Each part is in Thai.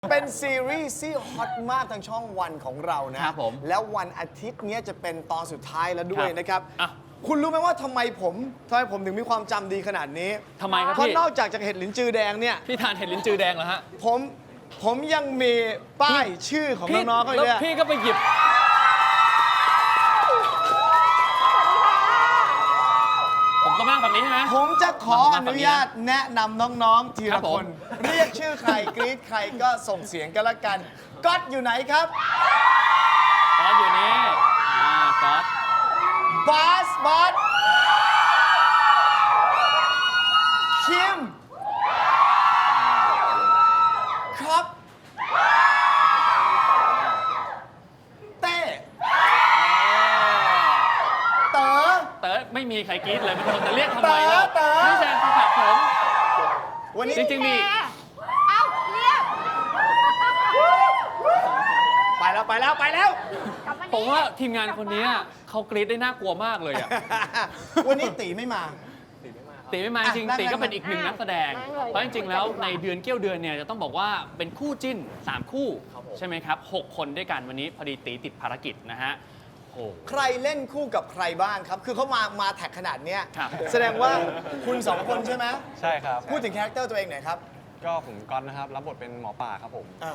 เป็นซีรีส์ที่ฮอตมากทางช่องวันของเรานะครับผมแล้ววันอาทิตย์นี้จะเป็นตอนสุดท้ายแล้วด้วยครับนะครับอ่ะคุณรู้ไหมว่าทำไมผมถึงมีความจำดีขนาดนี้ทำไมครับเพราะพี่นอกจากเห็ดหลินจือแดงเนี่ยพี่ทานเห็ดลิ้นจือแดงเหรอฮะผมยังมีป้ายชื่อของน้องๆเขาแล้วเนี่ยพี่ก็ไปหยิบ ผมต้องนั่งแบบนี้ใช่ไหมผมจะขออมาฝั่นุงนี้นะญาตแนะนำน้องๆทีครัละบผคมน เรียกชื่อใครกรี๊ดใครก็ส่งเสียงกันละกันก๊อตอยู่ไหนครับก๊อตอยู่นี่ก๊อตบาสคิมครับเต้เต๋อเต๋อไม่มีใครกรี๊ดเลยมันคนจะเรียกทำไมล่ะเต๋อนี่แซงคือผักผมวันนี้จริงๆมีเอ้าเรียกไปแล้วกลับมาผมนี่ว่าทีมงานคนนี้เขากรี๊ดได้น่ากลัวมากเลยอ่ะวันนี้ตีไม่มาตีไม่มาจริงนั่งตีก็นั่งเป็นอีกหนึ่งนักแสดง เพราะจริงๆแล้วในเดือนเกี้ยวเดือนเนี่ยจะต้องบอกว่าเป็นคู่จิ้น 3 คู่ ใช่ไหมครับ 6 คนด้วยกันวันนี้พอดีตีติดภารกิจนะฮะโอ้ใครเล่นคู่กับใครบ้างครับ คือเขามาแท็กขนาดเนี้ยครับแสดงว่าคุณสองคนใช่ไหมใช่ครับพูดถึงคาแรคเตอร์ตัวเองหน่อยครับก็ผมก๊อตนะครับ รับบทเป็นหมอป่าครับผมอ่า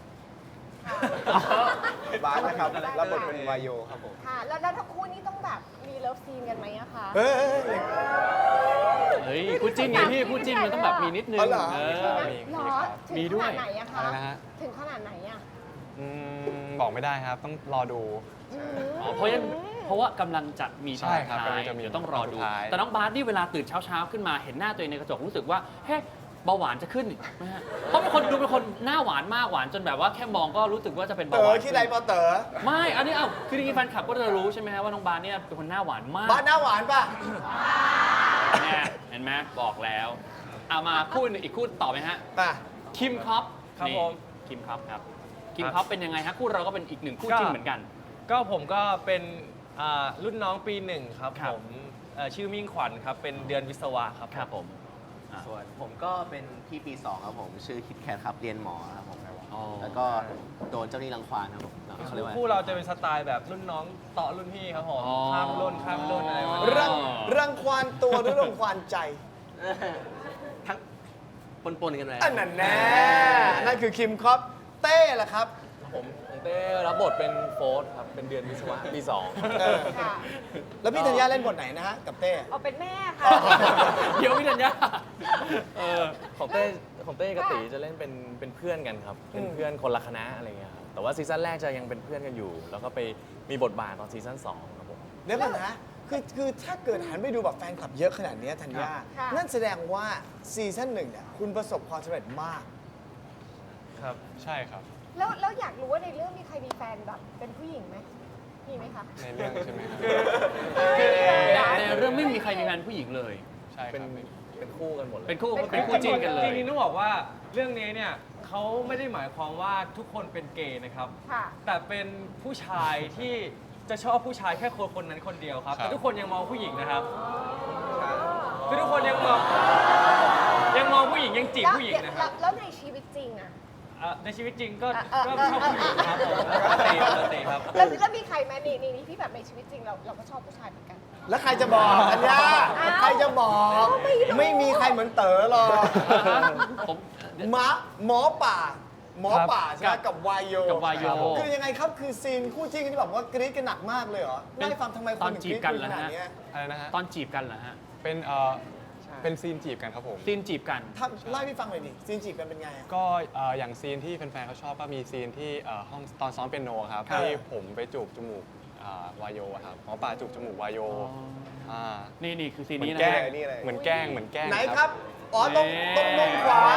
บาสนะครับรับบทเป็นวายโยครับผมค่ะ แล้วทั้งคู่นี้ต้องแบบมีเลิฟซีนกันไหมอะคะเฮ้ยเฮ้ยคู่จิ้นไงพี่คู่จิ้นมันต้องแบบมีนิดนึงอ๋อเหรอเอใช่อไหมมีหรอครับถึมีงด้ขวยนาดไหนอะคะอะไรนะฮะถึงขนาดไหนอะบอกไม่ได้ครับ ต้องรอดูอ๋อเพราะว่ากำลังจะมีตอนใช่ครับท้ายกำลังจะมีเดี๋ยวต้องรอดูตอนสุดท้ายแต่น้องบาสนี่เวลาตื่นเช้าๆขึ้นมาเห็นหน้าตัวเองในกระจกรู้สึกว่าเฮ้ยเบาหวานจะขึ้นอีกไหมฮะเพราะเป็นคนหน้าหวานมากหวานจนแบบว่าแค่มองก็รู้สึกว่าจะเป็นเต๋เบาหอวานคิดอะไรปอเต๋อไม่อันนี้คือจริงๆแฟนคลับก็จะรู้ใช่ไหมฮะว่าน้องบาสเนี่ยเป็นคนหน้าหวานมากบ้านหน้าหวานป่ะเนี่ยเห็นไหมบอกแล้วเอามาคู่อีกคู่ต่อไหมฮะมาคิมคอปครับนี่ผมคิมคอปครับคิมคอปเป็นยังไงฮะคู่เราก็เป็นอีกหนึ่งคู่จิ้นเหมือนกันก็ผมก็เป็นรุ่นน้องปีหนึ่งครับครับผมชื่อมิ่งขวัญครับ เป็นเดือนวิศวะครับครับผมส่วนผมก็เป็นพี่ปี 2 ครับผม ชื่อคิดแคทครับ เรียนหมอครับผมอ๋อแล้วก็โดนเจ้าหนี้รังควานครับผมเขาเรียกว่าคู่เราจะเป็นสไตล์แบบรุ่นน้องต่อรุ่นพี่ครับผมอ๋อข้ามรุ่นอะไรแบบรันี้รังควานตัวหรือรังควานใจทั้งปนๆกันเลยอันนั้นแน่นั่นคือคิมคอปเต้ล่ะครับผมเต้รับบทเป็นโฟร์ธครับ เป็นเดือนวิศวะปีสองเออค่ะแล้วพี่ธัญญาเล่นบทไหนนะฮะกับเต้เอาเป็นแม่ค่ะเดี๋ยวพี่ธัญญาเออของเต้กับตีจะเล่นเป็นเพื่อนกันครับ เป็นเพื่อนคนละคณะอะไรเงี้ยครับแต่ว่าซีซั่นแรกจะยังเป็นเพื่อนกันอยู่ แล้วก็ไปมีบทบาทตอนซีซั่น2ครับผมเดี๋ยวก่อนนะ คือถ้าเกิดหันไปดูแบบแฟนคลับเยอะขนาดเนี้ยธัญญาค่ะนั่นแสดงว่าซีซั่น1เนี่ยคุณประสบความสำเร็จมากครับ ใช่ครับแล้วอยากรู้ว่าในเรื่องมีใครมีแฟนแบบเป็นผู้หญิงไหมมีไหมคะในเรื่องใช่ไหมครับในเรื่องไม่มีใครมีแฟนผู้หญิงเลยใช่คเป็นรับเป็นคู่กันหมดเลยเป็นคู่จิ้นกันเลยจริงๆต้องบอกว่าเรื่องนี้เนี่ยเขาไม่ได้หมายความว่าทุกคนเป็นเกย์นะครับค่ะแต่เป็นผู้ชายที่จะชอบผู้ชายแค่คนนั้นคนเดียวครับครับแต่ทุกคนยังมองผู้หญิงนะครับคือทุกคนยังมองผู้หญิงยังจีบผู้หญิงนะครับแล้วในชีวิตจริงอะในชีวิตจริงก็เออชอบผู้หญิงครับผมปกติครับแล้วมีใครไหมนี่ที่แบบในชีวิตจริงเราก็ชอบผู้ชายเหมือนกันแล้วใครจะบอกธัญญาอ้าวใครจะบอกไม่รู้ไม่มีใครเหมือนเต๋อหรอกผมหมอป่าใช่ไหมกับวายโยกับวายโยคือยังไงครับคือซีนคู่จิ้นที่แบบว่ากรี๊ดกันหนักมากเลยเหรอเล่าให้ฟังทำไมตคุอณนถึงจีกบรี๊ดกันขเหรอนาดฮะเนี้ยอะไรนะฮะตอนจีบกันเหรอฮะเป็นซีนจีบกันครับผมซีนจีบกันเล่าให้พี่ฟังหน่อยดิซีนจีบกันเป็นไงอะก็อย่างซีนที่แฟนๆเขาชอบก็มีซีนที่ห้องตอนซ้อมเปียโนครับครับที่ผมไปจูบจมูกวายโยอะครับหมอป่าจูบจมูกวายโยานี่คือซีนเหมือนี้นนะแกล้ฮะงเหมือนแกล้งเหมือนแกล้งไหนครับ อ๋อตรงมุมขวา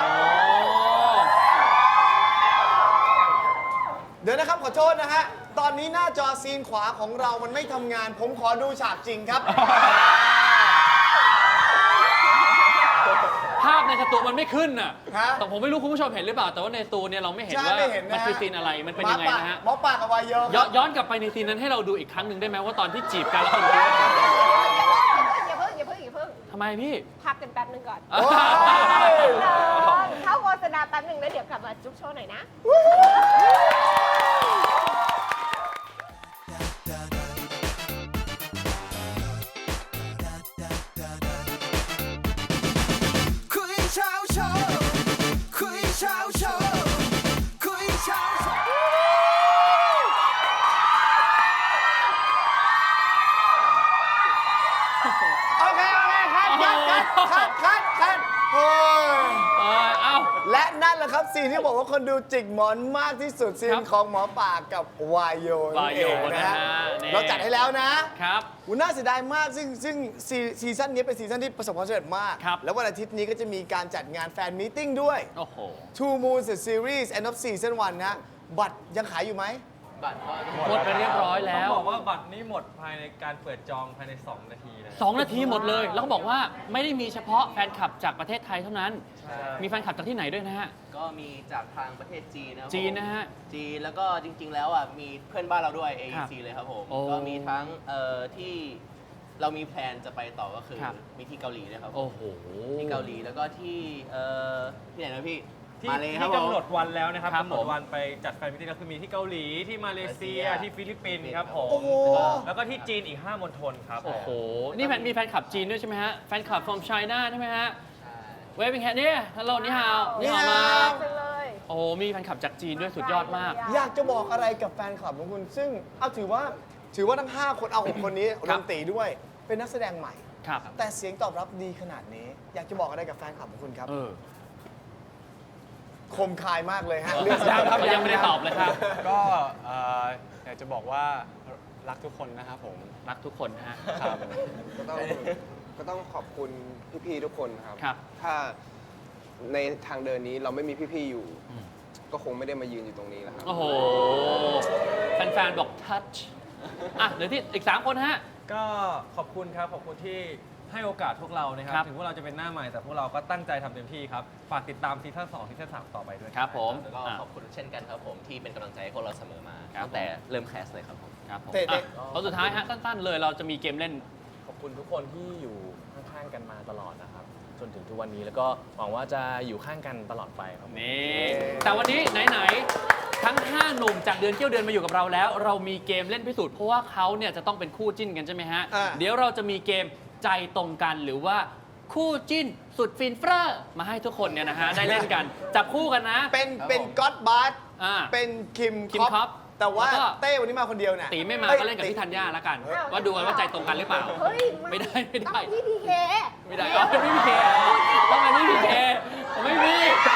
เดี๋ยวนะครับขอโทษนะฮะ ตอนนี้หน้าจอซีนขวาของเรามันไม่ทำงาน ผมขอดูฉากจริงครับภาพในสตูมันไม่ขึ้นน่ะฮะแต่ผมไม่รู้คุณผู้ชมเห็นหรือเปล่า แต่ว่าในสตูเนี่ยเราไม่เห็นใช่ว่าไม่เห็นนะมันฮะคือซีนอะไร มันเป็นยังไงนะฮะหมอป่ากับวายโยย้อนกลับไปในซีนนั้นให้เราดูอีกครั้งหนึ่งได้ไหมว่าตอนที่จีบกันแล้วคนอย่าเพิ่งทำไมพี่พักกันแป๊บนึงก่อนโอ้ยเข้าบษณาแป๊บหนึ่งแล้วเดี๋ยวกลับมาจุ๊บโชว์หน่อยนะคุยเช้าโชว์คุยเช้าโชว์คุยเช้าโชว์โอเคคัดเฮ้ยเอ้าและนั่นแหละครับซีนที่บอกว่าคนดูจิกหมอนมากที่สุดซีครันบของหมอป่ากับวายโยนั่นเองวายโยนะฮะนะฮะนี่เราจัดให้แล้วนะครับ อุ๊ยน่าเสียดายมากซึ่งซีซั่นนี้เป็นซีซั่นที่ประสบความสำเร็จมากครับแล้ววันอาทิตย์นี้ก็จะมีการจัดงานแฟนมีตติ้งด้วยโอ้โห Two Moons the Series End of Season 1 นะ บัตรยังขายอยู่ไหมบัตรก็หมดไปเรียบร้อยต้แล้องวบอกว่าบัตรนี้หมดภายในการเปิดจองภายใน 2 นาทีนะ 2 นาทีหมดเลย แล้วก็บอกว่าไม่ได้มีเฉพาะแฟนคลับจากประเทศไทยเท่านั้น มีแฟนคลับจากที่ไหนด้วยนะฮะก็มีจากทางประเทศจีนนะครับผมจีนนะฮะจีนแล้วก็จริง ๆ แล้วอ่ะมีเพื่อนบ้านเราด้วยครับ AEC เลยครับผมโอ้ก็มีทั้งที่เรามีแพลนจะไปต่อก็คือครับมีที่เกาหลีนะครับผมโอ้โหที่เกาหลีแล้วก็ที่ไหนนะพี่ที่มาเลยครับที่ผมกำหนดวันแล้วนะครับครับกำหนดวันไปจัดแฟนมิตติ้งแล้วคือมีที่เกาหลีที่มาเลเซียมาเลเซียที่ฟิลิปปินส์ครับผมโอ้โหแล้วก็ที่จีนอีก 5 มณฑลครับโอ้โห นี่มีแฟนคลับจีนด้วยใช่ไหมฮะ แฟนคลับ from China ใช่ไหมฮะ เวฟเป็นแค่นี้ฮัลโหลนี่ฮาวนี่ฮาวมาจังเลยโอ้โห มีแฟนคลับจากจีนด้วยสุดยอดมากอยากจะบอกอะไรกับแฟนคลับของคุณ ซึ่งเอาถือว่าทั้ง 5 คนเอา 6 คนนี้รครัวบมตีด้วย เป็นนักแสดงใหม่ครับแต่เสียงตอบรับดีขนาดนี้ อยากจะบอกอะไรกับแฟนคลับของคุณครับเออคมคายมากเลยฮะเรื่องยังครับยังไม่ได้ตอบเลยครับก็อยากจะบอกว่ารักทุกคนนะครับผมรักทุกคนนะฮะครับก็ต้องขอบคุณพี่ๆทุกคนครับครับถ้าในทางเดินนี้เราไม่มีพี่ๆอยู่อืมก็คงไม่ได้มายืนอยู่ตรงนี้แล้วครับโอ้โห แฟนๆ บอกทัชอ่ะเหลือที่อีก 3 คนฮะก็ขอบคุณครับ ขอบคุณที่ให้โอกาสพวกเรานะครับครับถึงพวกเราจะเป็นหน้าใหม่แต่พวกเราก็ตั้งใจทำเต็มที่ครับ ฝากติดตามซีซั่น2ซีซั่น3ต่อไปด้วยครับผมแล้วก็อ่ะขอบคุณเช่นกันครับผมที่เป็นกำลังใจให้พวกเราเสมอมาครับตั้งแต่เริ่มแคสเลยครับผมครับผมเตะอ่ะคนสุดท้ายฮะสั้นๆเลยเราจะมีเกมเล่นขอบคุณทุกคนที่อยู่ข้างๆกันมาตลอดนะครับ จนถึงทุกวันนี้แล้วก็หวังว่าจะอยู่ข้างกันตลอดไปครับนี่ แต่วันนี้ไหนๆ ทั้ง 5 หนุ่มจากเดือนเกี่ยวเดือนมาอยู่กับเราแล้ว เรามีเกมเล่นพิสูจน์เพราะว่าเขาเนี่ยจะต้องเป็นคู่จิ้นกันใช่ไหมฮะอ่าเดี๋ยวเราจะมีเกมใจตรงกันหรือว่าคู่จิ้นสุดฟินเฟ้อมาให้ทุกคนเนี่ยนะฮะได้เล่นกัน จับคู่กันนะเป็นก็อดบาร์อ่าเป็นคิมคิมคอปแต่ว่าแล้วก็เต้วันนี้มาคนเดียวเนี่ยตีไม่มาก็เล่นกับพี่ธัญญาแล้วกันอ้าวว่าดูกันว่าใจตรงกันหรือเปล่าเฮ้ยไม่ได้ต้องพี่พีเคไม่ได้อ๋อไม่มีเคต้องอันนี้มีเคไม่มี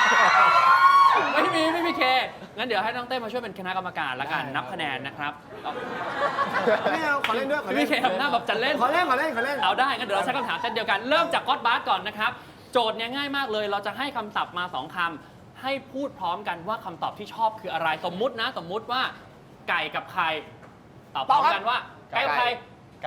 ไม่มีเคงั้นเดี๋ยวให้น้องเต้มาช่วยเป็นคณะกรรมการแล้วกันนับคะแนนนะครับไม่เอาขอเล่นด้วยขอพี่เล่นเคทำหน้าแบบจะเล่นขอเล่นขอเล่นขอเล่นเอาได้งั้นเดี๋ยวเราใช้คำถามเช่นเดียวกัน เริ่มจากก็อดบาร์ก่อนนะครับ โจทย์เนี่ยง่ายมากเลย เราจะให้คำศัพท์มา 2 คำให้พูดพร้อมกันว่าคำตอบที่ชอบคืออะไร สมมุตินะ สมมุติว่าไก่กับไข่ตอบพร้อมกันว่าไก่กับไข่ไก่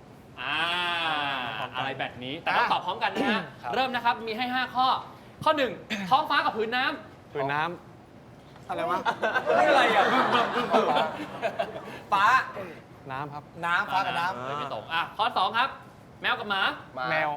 อะไรแบบนี้ แต่ต้องตอบพร้อมกันนะฮะ เริ่มนะครับ มีให้ 5 ข้อ ข้อ 1 ท้องฟ้ากับผืนน้ำผืนน้อะไรวะอะไรอ่ะฟ้าำน้ำครับน้ำฟ้ากับน้ไม่ตรงข้อ 2 ครับ แมวกับหมาแมว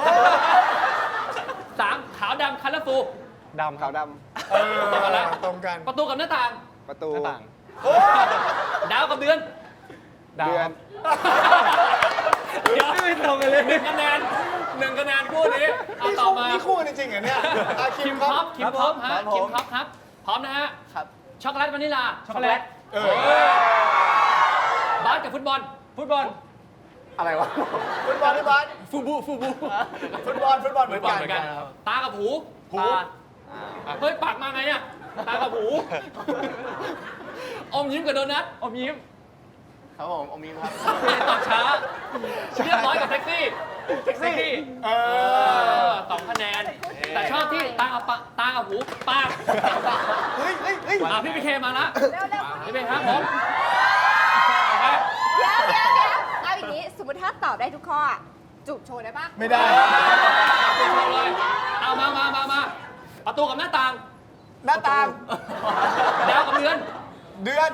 3 ขาวดำคัลเลอร์ฟูดำครัขาวบดำตรงกันแล้วตรงกันประตูกับหน้าต่างำประตูหน้าต่างดาวกับเดือนดาวเดืคอรันบเดี๋ยวไม่ตรงกันเลย1 คะแนนคู่นี้เอาต่อมานี่คู่จริงๆเหรอเนี่ยอ่ะคิมคอปคิมคอปฮะครับผมคิมคอปครับ พร้อมนะฮะครับช็อกโกแลตวานิลลาช็อกโกแลตบาสกับฟุตบอลฟุตบอลอะไรวะฟุตบอลพี่บอลฟูบูฟุตบอลเหมือนกันตากับหูตาเฮ้ย ปากมาไงเนี่ยตากับหู อมยิ้มกับโดนัทอมยิ้มครับผมอมีครับตอบช้า เรียบร้อยกับแท็กซี่ แท็กซี่ 2 คะแนน แต่ชอบที่ตากับหู ปากเฮ้ยพี่พีเคมาละเร็วๆพี่พีครับผมเดี๋ยวเอาอย่างนี้ สมมติถ้าตอบได้ทุกข้ออะจูบโชว์ได้ปะไม่ได้โชว์เลย เอามาประตูกับหน้าต่างหน้าต่างดาวกับเดือนเดือน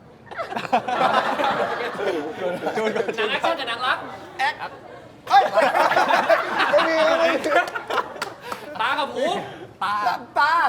หนังแอคชั่นกับหนังรักแอคเฮ้ยไม่มีตากับหูตาตา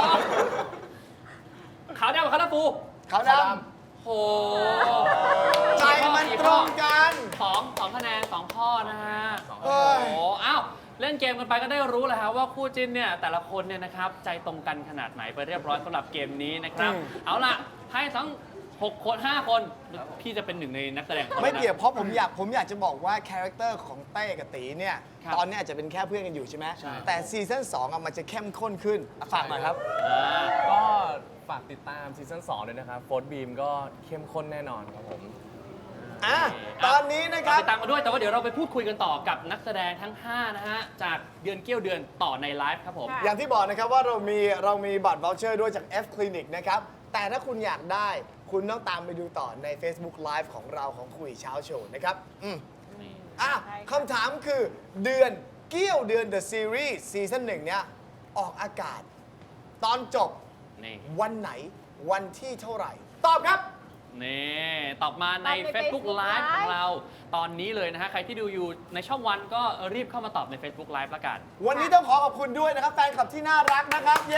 ขาวดำกับขาวดำฟูขาวดโอ้ำใจมันตรงกันสองคะแนนสองข้อนะฮะเอ้โอ้ยโหอ้าวเล่นเกมกันไปก็ได้รู้แล้วฮะว่าคู่จิ้นเนี่ยแต่ละคนเนี่ยนะครับใจตรงกันขนาดไหนไปเรียบร้อยสำหรับเกมนี้นะครับ เอาล่ะให้ทั้ง6 คน 5 คนพี่จะเป็นหนึ่งในนักแสดงคนไม่นั้นนะเกี่ยวเพราะผมอยากจะบอกว่าคาแรคเตอร์ของเต้กับตีเนี่ยครับตอนนี้อาจจะเป็นแค่เพื่อนกันอยู่ใช่ไหมใช่แต่ซีซั่น2อ่ะมันจะเข้มข้นขึ้นอ่ะฝากหน่อยครับก็ฝากติดตามซีซั่น2ด้วยนะครับโฟร์บีมก็เข้มข้นแน่นอนครับผมอ่ะ ตอนนี้นะครับติดตามมาด้วยแต่ว่าเดี๋ยวเราไปพูดคุยกันต่อกับนักแสดงทั้ง 5 นะฮะ จากเดือนเกี้ยวเดือนต่อในไลฟ์ครับผมค่ะอย่างที่บอกนะครับว่าเรามีบัตร voucher ด้วยจาก F Clinic นะครับ แต่ถ้าคุณอยากได้คุณต้องตามไปดูต่อใน Facebook Live ของเราของคุยเช้าโชว์นะครับอ่ะคำถามคือเดือนเกี้ยวเดือน The Series ซีซั่น1เนี่ยออกอากาศ ตอนจบนี่วันไหนวันที่เท่าไหร่ ตอบครับนี่ตอบมาในตอบใน Facebook Facebook Live ของ Live เราตอนนี้เลยนะฮะ ใครที่ดูอยู่ในช่องวันก็รีบเข้ามาตอบใน Facebook Live ละกันวันนี้ต้องขอขอบคุณด้วยนะครับ แฟนคลับที่น่ารักนะครับ เย้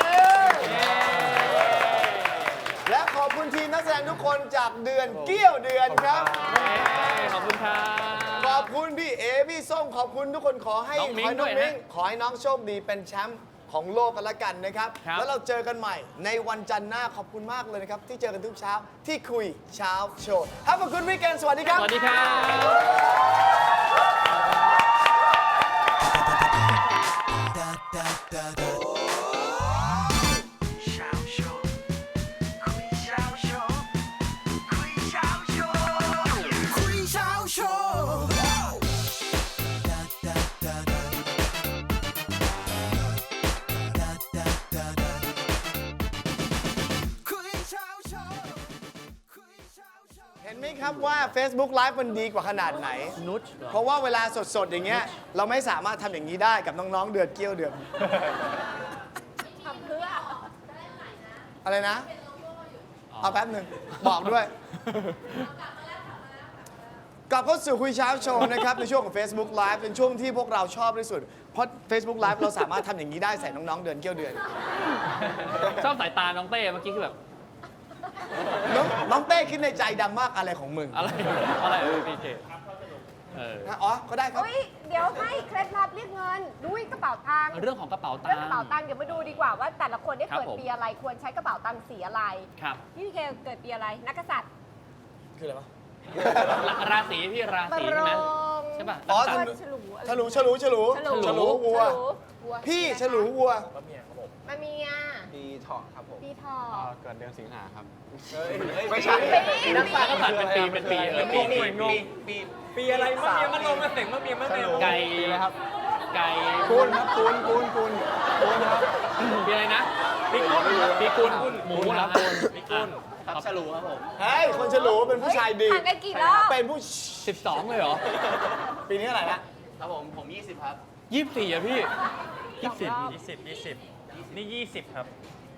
และขอบคุณทีมนักแสดงทุกคนจากเดือนเกี้ยวเดือนครับขอบคุณครับขอบคุณพี่เอพี่ส้มขอบคุณทุกคนขอให้น้องมิ้งขอให้ด้วยนะขอให้น้องโชคดีเป็นแชมป์ของโลกกันละกันนะครับครับแล้วเราเจอกันใหม่ในวันจันทร์หน้าขอบคุณมากเลยนะครับ ที่เจอกันทุกเช้าที่คุยเช้าโชว์ Have a good weekend สวัสดีครับสวัสดีครับคุยเช้าโชว์คุยเช้าโชว์คุยเช้าโชว์เห็นไหมครับว่า Facebook Live มันดีกว่าขนาดไหนนุชเหรอเพราะว่าเวลาสดๆ อย่างเงี้ยเราไม่สามารถทำอย่างนี้ได้กับน้องๆ เดือนเกี้ยวเดือนทำเพื่ออะไรนะ เอาแป๊บหนึ่งบอกด้วย กลับเข้าสู่คุยเช้าโชว์นะครับ ในช่วงของ Facebook Live เป็นช่วงที่พวกเราชอบที่สุด เพราะ Facebook Live เราสามารถทำอย่างนี้ได้ใส่น้องๆ เดือนเกี้ยวเดือนชอบสายตาน้องเต้เมื่อกี้คือแบบน้องเต้คิดในใจดังมากอะไรของมึงอะไรพีเคออ๋อ ก็ได้ครับเฮ้ย เดี๋ยวให้เคล็ดลับเรียกเงินด้วยกระเป๋าตังค์เรื่องของกระเป๋าตัเรื่องงกค์ระเป๋าตังค์เดี๋ยวมาดูดีกว่าว่าแต่ละคนได้ครับเกิดผมปีอะไรควรใช้กระเป๋าตังค์สีอะไรครับพี่เคเกิดปีอะไรนักกษัตริย์คืออะไรวะราศีพี่ราบศีรใช่ไหมงใช่ป่ะอ๋อนักฉษัตริย์ลูอะไรฉลูวัววัวพี่ฉลูวัวก็เมียครับผมมาเมียปีเถาะครับผมปีทอเกิดเดือนสิงหาครับไม่ใช่ปีนักษัตริย์นักษัตริย์เป็นปีปีปีปีอะไรมะเมียมันลงมาเสงมะเมียมะเมียไก่นะครับไก่กุลครับกุลครับปีอะไรนะปีกุลปีกุลหมูเหรอครับปีกุลครับฉลูครับผมเฮ้ย คนฉลูเป็นผู้ชายดีห่างกันกี่รอบเป็นผู้ 12 เลยเหรอปีนี้อะไรนะครับผม 20 ครับ 24อ่ะพี่24 20นี่20ครับ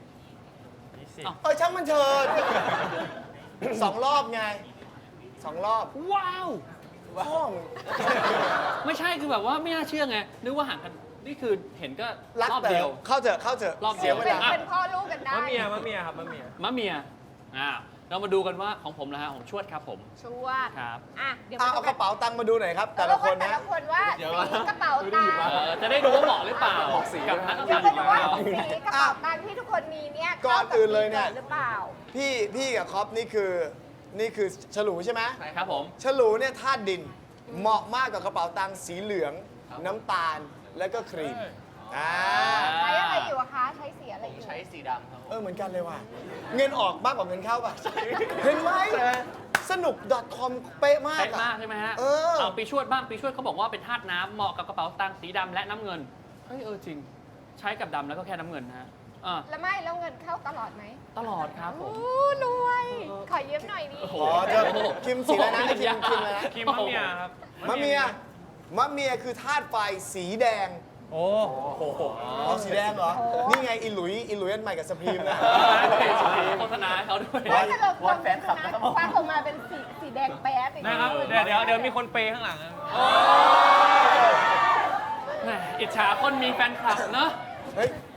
20 อ้าวช่างมันเถิด 2 รอบไง 2 รอบว้าวห้องไม่ใช่คือแบบว่าไม่น่าเชื่อไงนึกว่าห่างกันนี่คือเห็นก็รักรอบแต่เดียวเข้าเถอะรอบเดีเสียยว เวเป็นลาเป็นพ่อลูกกันได้มะเมียครับมะเมียมะเมียเรามาดูกันว่าของผมนะฮะของชวดครับผมชัวร์ครับอ่ะเดี๋ยวเอากระเป๋าตังค์มาดูหน่อยครับ แต่แต่ละละคคนนแต่นะละคนว่าสีกระเป๋าตังค์จะได้ดูว่าเหมาะหรือเปล่ากับนักเดี๋ยวษัตไปริย์ดูว่าสีกระเป๋าตังค์ที่ทุกคนมีเนี่ยก่อนอื่นเลยเนี่ยข้ากับปีกิดหรือเปล่าพี่กับคอปนี่คือฉลูใช่ไหมครับผมฉลูเนี่ยธาตุดิน เหมาะมากกับกระเป๋าตังค์สีเหลือง น้ำตาล แล้วก็ครีมใช้อะไรอยู่อะคะ ใช้สีอะไรอยู่ใช้สีดำครับผมเหมือนกันเลยว่ะ เงินออกมากกว่าเงินเข้าป่ะ เห็นไหมสนุก .com เป๊ะมากเป๊ะอะมากใช่ไหมฮะเอาปีชวดบ้างปีชวดเขาบอกว่าเป็นธาตุน้ำเหมาะกับกระเป๋าตังค์สีดำและน้ำเงินเฮ้ยจริง ใช้กับดำแล้วก็แค่น้ำเงินนะฮะแล้วเงินเข้าตลอดไหมตลอดครับผมโอ้รวย ขอยืมหน่อยดิโอ้โหอ๋อจะคิมสีอะไรนะให้คิมอะไรนะคิมมะเมียครับมะเมียคือธาตุไฟสีแดงโอ้อ๋อสีแดงเหรอ นี่ไงอิหลุยอันใหม่กับสพรีมนะโฆษณาให้เขาด้วยว่าสรุปวอนแฟนคลับนะครับผมฟ้าออกมาเป็นสีแดงแป๊ดอย่างนะเงี้ยครับเดี๋ยวมีคนเปย์ข้างหลังนะแหมอิจฉาคนมีแฟนคลับเนอะเฮ้ย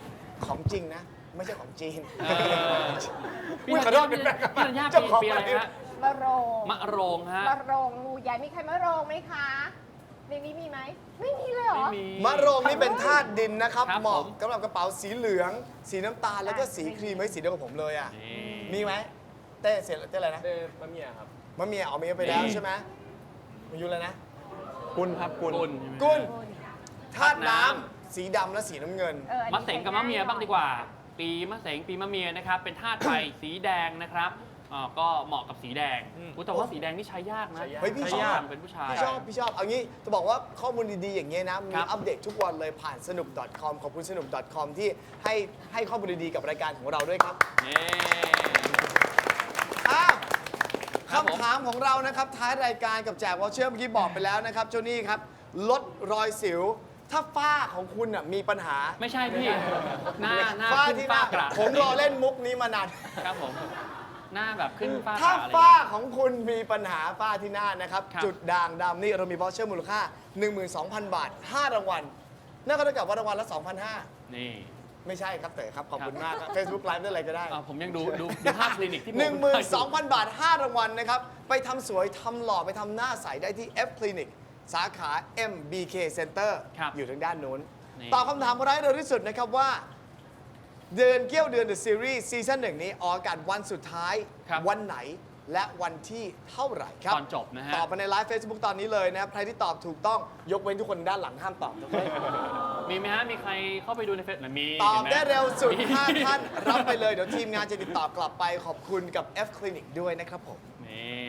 ของจริงนะ ไม่ใช่ของจีนพี่อุ๊ยขอโทษเป็นแฟนกันพี่ธัญญาเจ้าของปีอะไรฮะมะโรงมะโรงฮะมะโรงงูใหญ่มีใครมะโรงไหมคะในนี้มีไหมไม่มีเลยเหรอไม่มีมะโรงนี่เป็นธาตุดินนะครับครับเหมาะผมสำหรับกระเป๋าสีเหลือง สีน้ำตาลแล้วก็สีครีมไว้สีเดียวกับผมเลยอ่ะนี่มีไหมเต้เสร็จเต้อะไรนะเต้มะเมียครับมะเมียเอาเมียไปแล้วนี่ใช่ไหมมายุเลยนะกุลครับกุลกุลกุลธาตุธาตุน้น้ำำสีดำและสีน้ำเงินอันมะนี้เสงกับมะเมียบ้างดีกว่า ปีมะเสงปีมะเมียนะครับ เป็นธาตุไฟ สีแดงนะครับก็เหมาะกับสีแดงแต่ว่าสีแดงนี่ใช้ยากนะใช้ยากเฮ้ยพี่ชอบใช้ยากเป็นผู้ชายพี่ชอบ เอางี้จะบอกว่าข้อมูลดีๆ อย่างเงี้ยนะ มีครับอัปเดตทุกวันเลยผ่านสนุก .com ขอบคุณสนุก .com ที่ให้ข้อมูลดีๆ กับรายการของเราด้วยครับนี่อ้าวครับผมคำถามของเรานะครับ ท้ายรายการกับแจกวอเชอร์เมื่อกี้บอกไปแล้วนะครับโจนี่ครับ ลดรอยสิว ถ้าฝ้าของคุณน่ะมีปัญหาไม่ใช่พี่ หน้าฝ้าขึ้นที่หฝ้าน้ากระผมรอเล่นมุกนี้มานานครับผม หน้าแบบขึ้นฝ้ากถ้าระอะไรฝ้าของคุณมีปัญหาฝ้าที่หน้านะครับครับจุดด่างดำนี่เรามีวอเชอร์มูลค่า 12,000 บาท 5 รางวัลนั่นก็เท่ากับว่ารางวัลละ 2,500 นี่ไม่ใช่ครับเต๋อครับ ขอบคุณครับมากครับ Facebook Live ได้อะไรก็ได้ผมยังดูภาพคลินิกที่ผม 12,000 บาท 5 รางวัลนะครับ ไปทำสวยทำหล่อไปทำหน้าใสได้ที่ F Clinic สาขา MBK Center ครับอยู่ทางด้านโน้นนี่ตอบคำถามของเราให้เร็วที่สุดนะครับว่า เดือนเกี้ยวเดือน The Series ซีซั่น1 นี้ออกอากาศวันสุดท้ายครับวันไหนและวันที่เท่าไหร่ครับตอนจบนะฮะตอบมาในไลฟ์ Facebook ตอนนี้เลยนะครับ ใครที่ตอบถูกต้องยกเว้นทุกคนด้านหลังห้ามตอบนะครับมีไหมฮะ มีใครเข้าไปดูในเฟซมีตอบห็นหมได้เร็วสุดมี 5 ท่าน รับไปเลย เดี๋ยวทีมงานจะติดต่อกลับไปขอบคุณกับ F Clinic ด้วยนะครับผมนี่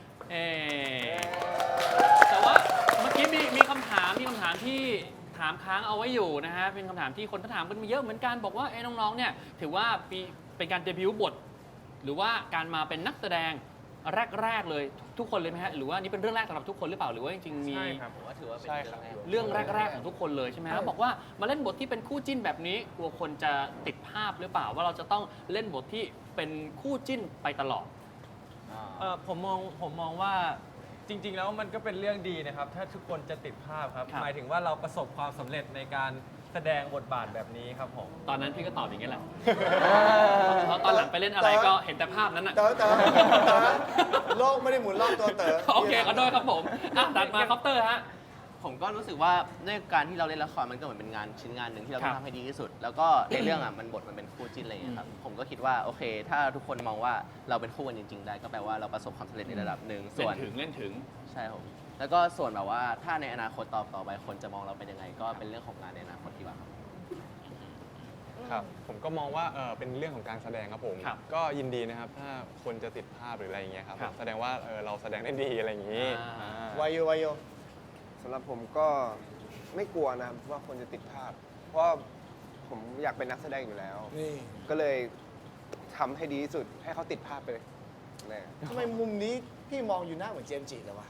แต่ว่าเมื่อกี้มีคำถามที่ถามค้างเอาไว้อยู่นะฮะ เป็นคำถามที่คนถามกันมาเยอะเหมือนกัน บอกว่าน้องๆ เนี่ยถือว่าเป็นการเดบิวต์บท หรือว่าการมาเป็นนักแสดงแรกๆเลยทุกคนเลยไหมฮะ หรือว่านี่เป็นเรื่องแรกสำหรับทุกคนหรือเปล่า หรือว่าจริงๆมีใช่ครับผมว่าถือว่าเป็นใช่เรื่องครับแรกเรื่องแรก ๆ ของทุกคนเลยใช่ไหมครับบอกว่ามาเล่นบทที่เป็นคู่จิ้นแบบนี้กลัวคนจะติดภาพหรือเปล่าว่าเราจะต้องเล่นบทที่เป็นคู่จิ้นไปตลอดผมมองว่าจริง ๆ แล้วมันก็เป็นเรื่องดีนะครับ ถ้าทุกคนจะติดภาพครับครับหมายถึงว่าเราประสบความสำเร็จในการแสดงบทบาทแบบนี้ครับผมตอนนั้นพี่ก็ตอบอย่างนี้แหละเพราะตอนหลังไปเล่นอะไรก็เห็นแต่ภาพนั้นน่ะเต๋อโลกไม่ได้หมุนรอบตัวเต๋อโอเคขอโทษครับผมตัดมาคอปเตอร์ฮะผมก็รู้สึกว่าด้วยการที่เราเล่นละครมันก็เหมือนเป็นงานชิ้นงานหนึ่งที่เราต้อครังบทำให้ดีที่สุด แล้วก็ในเรื่องมันบทมันเป็นคู่จิ้นอะไรอย่างเงี้ยครับผมก็คิดว่าโอเค ถ้าทุกคนมองว่าเราเป็นคู่กันจริง ๆ ได้ก็แปลว่าเราประสบความสำเร็จในระดับหนึ่งส่วนเล่นถึงใช่ผมแล้วก็ส่วนแบบว่าถ้าในอนาคตต่อไปคนจะมองเราเป็นยังไง ก็เป็นเรื่องของงานในอนาคตดีกว่าครับครับ ผมก็มองว่าเป็นเรื่องของการแสดงครับผมครับก็ยินดีนะครับ ถ้าคนจะติดภาพหรืออะไรอย่างเงี้ยครับครับแสดงว่าเราแสดงได้ดีอะไรอย่างงี้อ่าวายโยสำหรับผมก็ไม่กลัวนะครับว่าคนจะติดภาพ เพราะว่าผมอยากเป็นนักแสดงอยู่แล้วนี่ก็เลยทำให้ดีที่สุดให้เขาติดภาพไปเลยแน่ทำไมมุมนี้พี่มองอยู่หน้าเหมือนเจมส์จิเลยวะ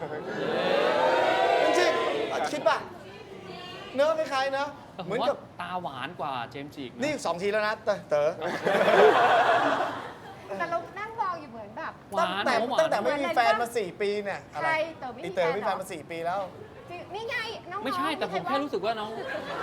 จริงๆคิดป่ะ เนื้อคล้ายๆเนอะแต่ผเหมมือนว่ากับตาหวานกว่าเจมส์จิกะนี่2 ทีแล้วนะเต๋อแต่เรานั่งมองอยู่เหมือนแบบหวานตั้งแต่ไม่มีแฟนมา 4 ปีเนี่ยอะไรใครเต๋อไม่มีอีเต๋อแฟนมีเหรอแฟนมา 4 ปีแล้วจริงนี่ไงน้องๆไม่ใช่แต่ผมแค่รู้สึกว่าน้อง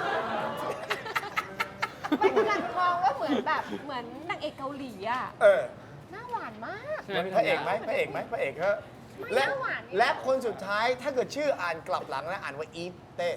ไม่กำลังมองว่าเหมือนแบบเหมือนนางเอกเกาหลีอ่ะเออหน้าหวานมากใช่ไหมพี่พระเอกไหมพระเอกก็ไม่และน่าหวานนี่และคนสุดท้ายถ้าเกิดชื่ออ่านกลับหลังนะอ่านว่าอีฟเต้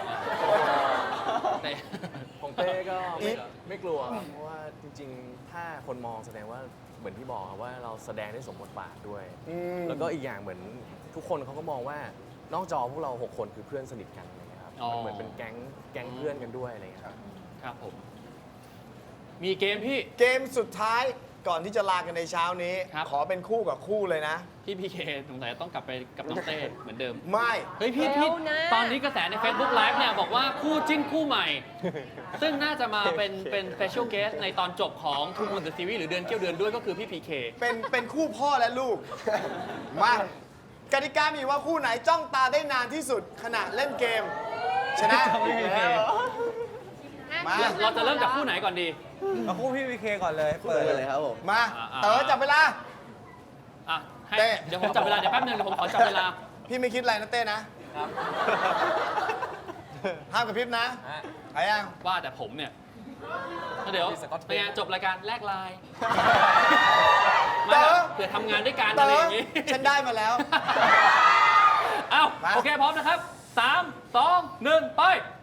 แต่ของเต้ก็อีฟไม่กลัวครับเพราะว่าจริงๆ ถ้าคนมองแสดงว่าเหมือนที่บอกครับว่าเราแสดงได้สมบทบาทด้วย แล้วก็อีกอย่างเหมือนทุกคนเขาก็มองว่านอกจอพวกเรา 6 คนคือเพื่อนสนิทกันอะไรเงี้ยครับอ๋อมันเหมือนเป็นแก๊งเพื่อนกันด้วยอะไรเงี้ยครับครับผม มีเกมพี่เกมสุดท้ายก่อนที่จะลากันในเช้านี้ครับขอเป็นคู่กับคู่เลยนะพี่พีเคสงสัยต้องกลับไปกับน้องเต้เหมือนเดิมไม่เฮ้ยพี่เร็วนะตอนนี้กระแสใน Facebook Live เนี่ยบอกว่าคู่จิ้นคู่ใหม่ ซึ่งน่าจะมาเป็น special guest ในตอนจบของ Two Moon the Series หรือเดือนเกี่ยวเดือนด้วยก็คือพี่พีเคเป็นคู่พ่อและลูก มากติกามีว่าคู่ไหนจ้องตาได้นานที่สุดขณะเล่นเกม ชนะ มาเราจะเริ่มจากคู่ไหนก่อนดีเอาคู่พี่พีเคก่อนเลยเปิดเลยครับผมมาอ่าเต๋อจับเวลาอ่ะให้เต้เดี๋ยวผมจับเวลา เดี๋ยวแป๊บนึงเดี๋ยวผมขอจับเวลาพี่ไม่คิดอะไรนะเต้นะ ห้ามกระพริบนะฮะหายยังว่าแต่ผมเนี่ยเดี๋ยวมีสก๊อตเทปเป็นไงจบรายการแลกไลน์เต๋มาอเผื่อทำงานด้วยกันเต๋อะไรออย่างงี้ฉันได้มาแล้วเอ้ามาโอเค พร้อมนะครับ 3 2 1 ไป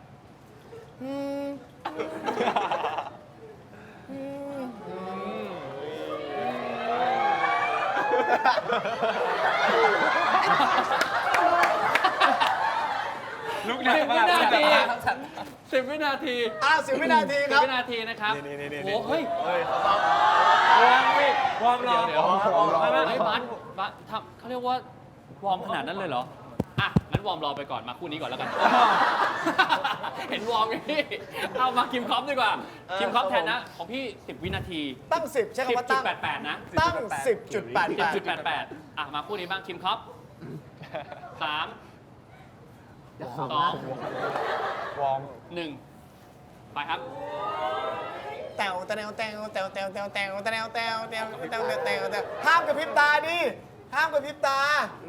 ลุกหนัก 10 มาวิกนาที10 วินาที 10 วินาทีครับ 10 วินาทีนะครับ โอ้โหเฮ้ยวอร์มพี่วอร์มรอเดี๋ยวไม่ไม่เฮ้ยบัสทำเขาเรียกว่าวอร์มขนาดนั้นเลยเหรอ อ่ะ งั้นวอร์มรอไปก่อนมาคู่นี้ก่อนแล้วกัน เห็นวอร์มอย่างนี้เอามาคิมคอปดีกว่า คิมคอปแทนนะ ของพี่ 10 วินาทีตั้ง 10 ใช้คำว่าตั้ง 10.88 นะตั้ง 10.88 10.88 อ่ะ มาคู่นี้บ้างคิมคอป3 2 วอร์ม 1 ไปครับแตวแตวแตวแตวแตวแตวแตวแตวแตวแตวแตวแตวแตวห้ามกระพริบตาดิห้ามกระพริบตา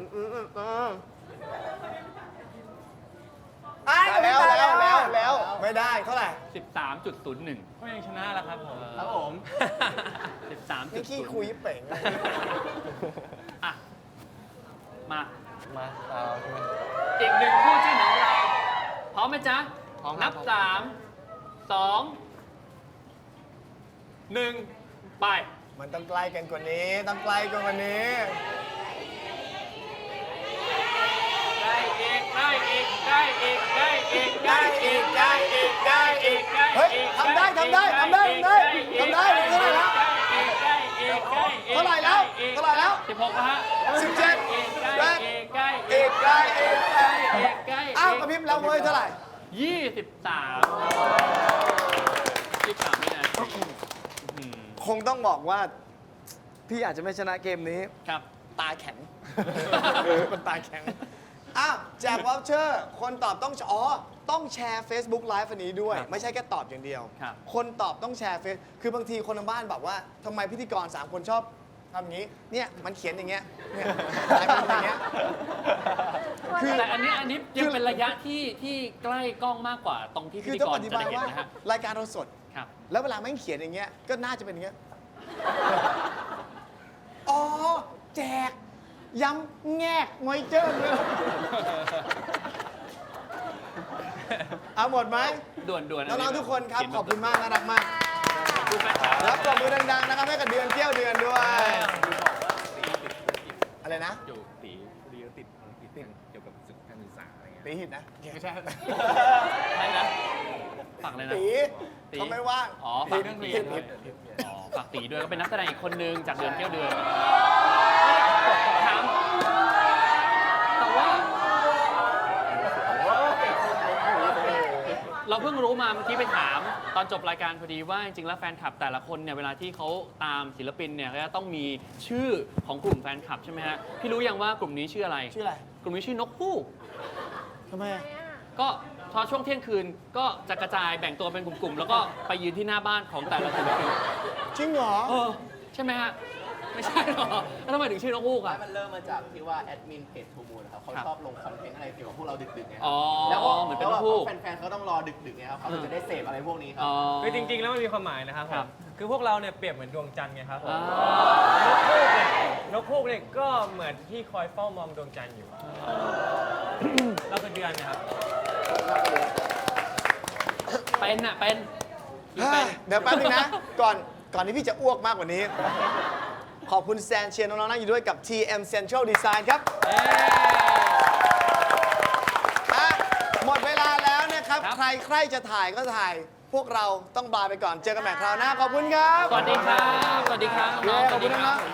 ไอ้กระพริบตาแล้วไม่ได้เท่าไหร่ 13.01 ก็ยังชนะแล้วครับผมครับผมนี่ขี้คุยเป่งอ่ะ มามาเอาใช่ไหมอีกหนึ่งคู่จิ้นของเรา พร้อมไหมจ๊ะพร้อมครับนับ 3 2 1 ไปมันต้องใกล้กันกว่านี้ ต้องใกล้กันกว่านี้ได้อีก ได้อีก ได้อีก ได้อีก ได้อีก ได้อีก ได้อีกเฮ้ยทำได้เท่าไหร่แล้ว เท่าไหร่แล้ว เท่าไหร่แล้ว 16นะฮะ 17 อีกแปใกล้ดอีกใกล้อีกใกล้อีกใกล้อีกใกล้อ้าวกระพริบแล้วเว้ยเท่าไหร่ 23วินาทีอืมคงต้องบอกว่า พี่อาจจะไม่ชนะเกมนี้ครับตาแข็ง มันตาแข็ง อ้าวแจกวอลเชอร์ คนตอบต้องต้องแชร์ Facebook Live อันนี้ด้วย ไม่ใช่แค่ตอบอย่างเดียวครับคนตอบต้องแชร์เฟซคือบางทีคนทางบ้านบอกว่าทำไมพิธีกร 3 คนชอบทำอย่างนี้ เนี่ย มันเขียนอย่างเงี้ย เนี่ยลายมันอย่างเงี้ย คือแต่อันนี้ยังเป็นระยะที่ใกล้กล้องมากกว่าตรงที่พิคือธีต้องกรอธิจะบายได้เห็นว่านะฮะรายการเราสดครับแล้วเวลาแม่งเขียนอย่างเงี้ย ก็น่าจะเป็นอย่างเงี้ย อ๋อ แจก ย้ำแงกมอยเจอร์เลยเอาหมดไหมด่วนๆน้องๆทุกคนครับ ขอบคุณมากน่ารักมากขอบคุณแฟนคลับรับปรบมือดังๆนะครับให้กับเดือนเที่ยวเดือนด้วย อะไรนะอยู่ตีเกี่ยวกับศึกการศึกษาอะไรเงี้ยตีหินนะไม่ใช่ใช่นะฝากเลยนะตีเขาไม่ว่างอ๋อฝากตีด้วยอ๋อฝากตีด้วยก็เป็นนักแสดงอีกคนนึงจากเดือนเที่ยวเดือนถามแต่ว่า เราเพิ่งรู้มาเมื่อกี้ไปถามตอนจบรายการพอดีว่าจริงๆแล้วแฟนคลับแต่ละคนเนี่ยเวลาที่เขาตามศิลปินเนี่ยก็จะต้องมีชื่อของกลุ่มแฟนคลับใช่ไหมฮะพี่รู้ยังว่ากลุ่มนี้ชื่ออะไรชื่ออะไรกลุ่มนี้ชื่อนกฮูกทำไมอะก็พอช่วงเที่ยงคืนก็จะกระจายแบ่งตัวเป็นกลุ่มๆ แล้วก็ไปยืนที่หน้าบ้านของแต่ละศิลปินจริงเหรอใช่ไหมฮะ ไม่ใช่หรอแล้วทำไมถึงชื่อนกฮูกอ่ะมันเริ่มมาจากที่ว่าแอดมินเพจทูมูลครับเขาชอบลงคอนเทนต์อะไรเกี่ยวกับพวกเราดึกๆไงอ๋อแล้วก็เหมือนเป็นลูกแฟนๆเขาต้องรอดึกๆไงครับเขาถึงจะได้เสพอะไรพวกนี้ครัอ๋บอคือจริงๆ แล้วมันมีความหมายนะครับผครัมบคือพวกเราเนี่ยเปรียบเหมือนดวงจันทร์ไงครับผมอ่านกฮูกเนี่ยก็เหมือนที่คอยเฝ้ามองดวงจันทร์อยู่ เราคือเดือนนะครับเป็นอ่ะ เป็นเป็นเดี๋ยวแป๊บนึงนะ ก่อนที่พี่จะอ้วกมากกว่านี้ ขอบคุณแซนเชียร์น้องๆนั่งอยู่ด้วยกับ TM Central Design ครับเอ้อ่ะหมดเวลาแล้วนะครับครับใครจะถ่ายก็ถ่าย พวกเราต้องบายไปก่อน เจอกันใหม่คราวหน้า ขอบคุณครับสวัสดีครับ สวัสดีครับน้องๆสขอวับสคุดีณครัน้บองๆ